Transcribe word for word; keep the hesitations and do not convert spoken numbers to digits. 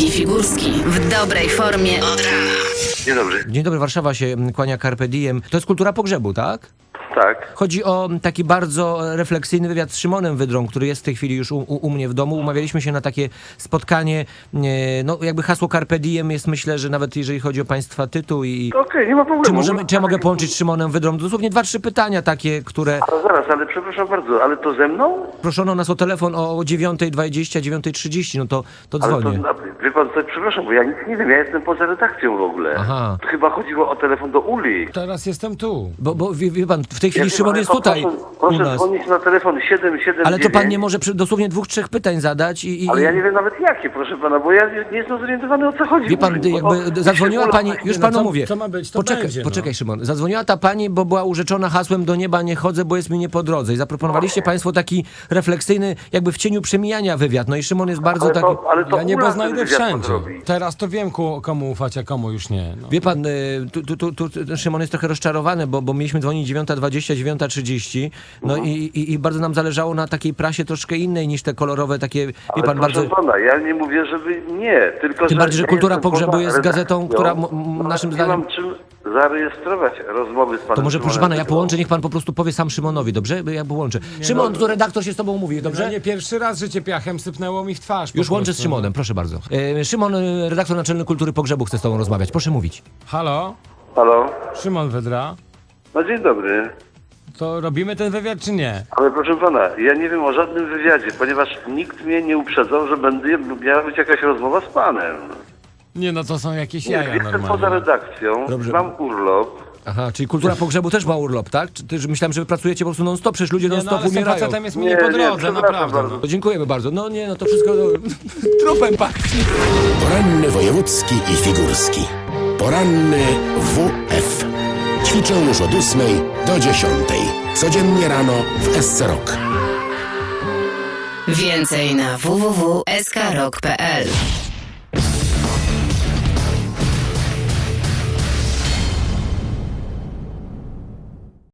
i Figurski w dobrej formie od rana. Dzień dobry. Dzień dobry, Warszawa się kłania Carpe Diem. To jest kultura pogrzebu, tak? Tak. Chodzi o taki bardzo refleksyjny wywiad z Szymonem Wydrą, który jest w tej chwili już u, u, u mnie w domu. Umawialiśmy się na takie spotkanie, e, no jakby hasło Carpe Diem jest, myślę, że nawet jeżeli chodzi o państwa tytuł i... Okej, okay, nie ma problemu. Czy, możemy, czy ja mogę połączyć z Szymonem Wydrą? Dosłownie dwa, trzy pytania takie, które... Ale zaraz, ale przepraszam bardzo, ale to ze mną? Proszono nas o telefon o dziewiąta dwadzieścia, dziewiąta trzydzieści, no to, to Ale dzwonię. to, wie pan co, przepraszam, bo ja nic nie wiem, ja jestem poza redakcją w ogóle. Aha. Chyba chodziło o telefon do Uli. Teraz jestem tu. Bo, bo wie, wie pan, w tej chwili Ja Szymon wiem, jest ale tutaj Proszę, u proszę nas. dzwonić na telefon siedem siedem Ale to dziewięć. pan nie może przy, dosłownie dwóch, trzech pytań zadać i... i Ale ja nie wiem nawet jakie, proszę pana, bo ja nie, nie jestem zorientowany, o co chodzi. Wie pan, Uli, bo jakby to- zadzwoniła Ula- pani, już no panu co- mówię. co ma być, to poczekaj, będzie, no. poczekaj Szymon. Zadzwoniła ta pani, bo była urzeczona hasłem do nieba nie chodzę, bo jest mi nie po drodze. I zaproponowaliście państwo taki refleksyjny, jakby w cieniu przemijania wywiad. No i Szymon jest bardzo ale taki... to, ale to Ja niebo Ula znajdę ten wywiad wszędzie. podrobi. Teraz to wiem, ku- komu ufać, a komu już nie. No. Wie pan, y, tu, tu, tu, tu Szymon jest trochę rozczarowany, bo, bo mieliśmy dzwonić dziewiąta dwadzieścia, dziewiąta trzydzieści. No Mhm. i, i, i bardzo nam zależało na takiej prasie troszkę innej niż te kolorowe takie, wie Ale pan, proszę bardzo... pana, ja nie mówię, żeby nie, tylko Tym że bardziej, że ja Kultura jestem Pogrzebu poza jest gazetą, redakcją, która m- m- naszym nie zdaniem- mam czym zarejestrować rozmowy z panem To może, proszę Szymonem pana, ja Wydrą. połączę, niech pan po prostu powie sam Szymonowi, dobrze? Ja połączę. Szymon, to redaktor się z tobą mówi, dobrze? Że nie pierwszy raz życie piachem sypnęło mi w twarz. po Już łączę z prostu. Szymonem, proszę bardzo. E, Szymon, e, redaktor naczelny Kultury Pogrzebu chce z tobą rozmawiać, proszę mówić. Halo? Halo? Szymon Wydra? No dzień dobry. To robimy ten wywiad, czy nie? Ale proszę pana, ja nie wiem o żadnym wywiadzie, ponieważ nikt mnie nie uprzedzał, że będzie, miała być jakaś rozmowa z panem. Nie, no to są jakieś Nie, jaja jestem poza normalnie. redakcją, Dobrze. mam urlop. Aha, czyli Kultura Pogrzebu też ma urlop, tak? Czy, ty, myślałem, że wy pracujecie po prostu non-stop, przecież ludzie Nie, no non-stop ale z tym umierają. facetem jest mi Nie, nie po nie, drodze, przepraszam naprawdę. bardzo. No. To dziękujemy bardzo. No nie, no to wszystko no, trupem pachnie. Poranny wojewódzki i figurski. Poranny W F. Ćwiczą już od ósmej do dziesiątej. Codziennie rano w S C Rock. Więcej na w w w kropka s k rock kropka p l.